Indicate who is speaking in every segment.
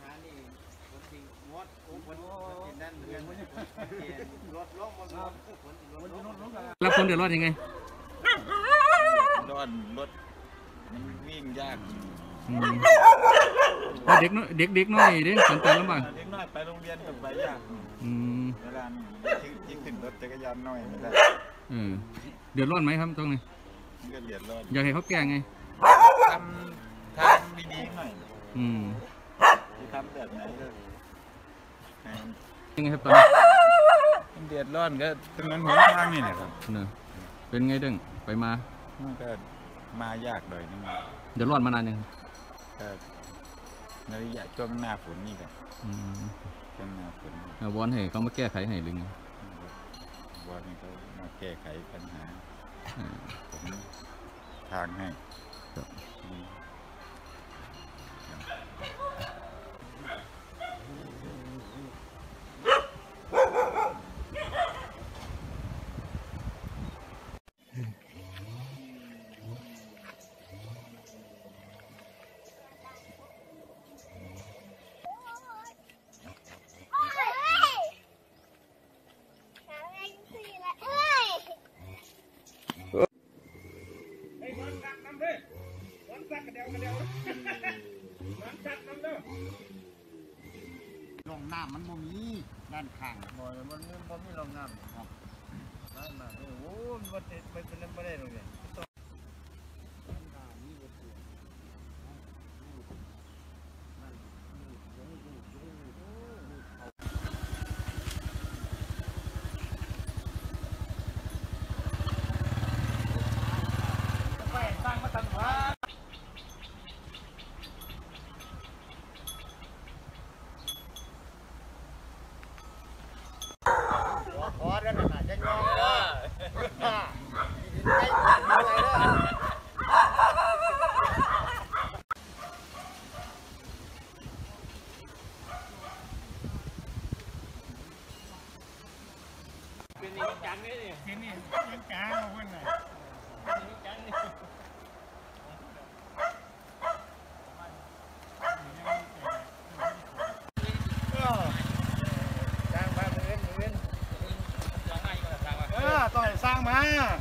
Speaker 1: หานี่คนจริงงดคนนั่นเรื่องรถล้มคน
Speaker 2: แล้วคนเดือดร้อนยังไง
Speaker 3: ร้อนรถมันวิ่งยาก
Speaker 2: เด็กน้อยเด็กน้อยเด้สัญจรลำบาก
Speaker 3: เด็กน้อยไปโรงเรียนกับไปยากเวลายิ่งขึ้นรถจักรยานน้อยไม่ได้
Speaker 2: เดือดร้อนไหมครับตรงนี้
Speaker 3: เดือดร้อน
Speaker 2: อยากให้เขาแก้ไง
Speaker 3: ทำทางดีๆหน่อยที่ทำแบบไหนก็
Speaker 2: ยังไงครับตอนนี้
Speaker 3: เดือดร้อนก็เป็นเงินหนทางนี่แหละครับ
Speaker 2: เป็นไงเด้งไปมา
Speaker 3: ก็มายากหน่อยนึง
Speaker 2: เดือดร้อนมานานยัง
Speaker 3: ในระยะช่วงหน้าฝนนี่กันช่วงหน้าฝน
Speaker 2: วอนให้เขามาแก้ไขให้หรือไง
Speaker 3: วอนให้เขามาแก้ไขปัญหาผมทางให้
Speaker 1: ลงน้ำมันบ่มีด้านข้าง
Speaker 3: บ่มันมีลงน้ำครับได้มาโอ้โหมันเป็นไม่ได้ตรงนี้
Speaker 1: ขอเรื่องอะไรจะงอเป็นนี่จังนี่เป็นนี่จังเอาไว้ไหนจังนี่ต่อยสร้างมา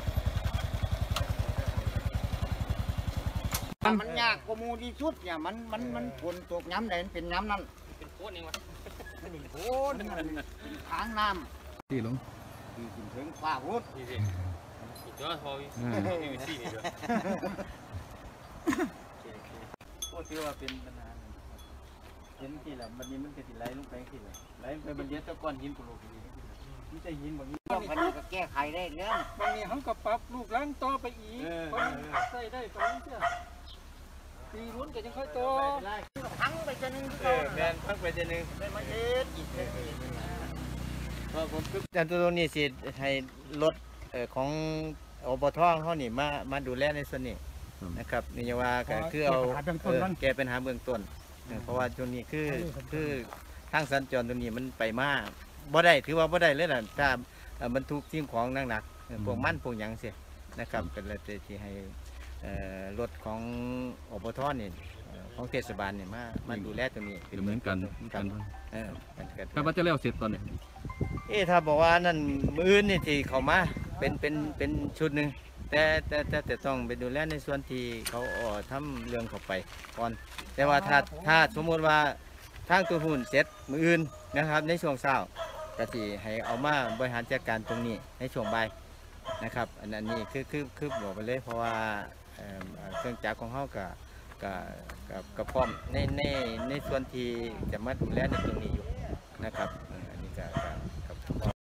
Speaker 1: มันยากกว่ามูที่สุดเนี่ยมันฝนตกย้ำไหนเป็นย้ำนั่นเป็นโคตรเองวะเป็นโคตรทางน้ำ
Speaker 2: ที่ลง
Speaker 1: ที่ถึงฟ้าพุทธนี่สิอีกเยอะพอมีสี่นี่ด้วยโคตรที่ว่าเป็นปัญหาเห็นที่ละมันนี้มันจะติดไหลลงไปที่ละไหลไปมันเลี้ยงตะก้อนหินกุโลกีนี่จะหินแบบนี้พันนี้ก็แก้ไขได้เรื่องบางนี้เขาก็ปรับลูกล้างต่อไปอีกใส่ได้ไปเชื่อปีนู้นก็ยังค่อยโตพังไปจะนึงแมนพังไปจะนึงได้มาเอ็ดอีกพอผมจันตัวนี้สิให้รถของอบทเขานี่มาดูแลในส่วนนี้นะครับนี่ว่าก็คือเอาแก้ปัญหาเบื้องต้นเพราะว่าตัวนี้คือทางสัญจรตัวนี้มันไปมาบ่ได้ถือว่าบ่ได้เลยนะถ้าบรรทุกสิ่งของหนักพวกมันพวกหยังเสียนะครับเป็นอะไรที่ให้รถของอบทนี่ของเทศบาลเนี่ยมาดูแลตรงนี้
Speaker 2: เหมือนกันถ้าว่าจะเลี้ยวเสร็จตอนนี้
Speaker 1: ถ้าบอกว่านั่นมือนี่ที่เขามาเป็นชุดหนึ่งแต่ต้องไปดูแลในส่วนที่เขาทำเรื่องเข้าไปก่อนแต่ว่าถ้าสมมติว่าทางตัวหุ่นเสร็จมืออื่นนะครับในช่วงเช้าก็ที่ให้เอามาบริหารจัดการตรงนี้ในช่วงบ่ายนะครับอันนี้คือบอกไปเลยเพราะว่าเครื่องจักรของเขากับพร้อมในส่วนที่จะมาดูแลในตรงนี้อยู่นะครับ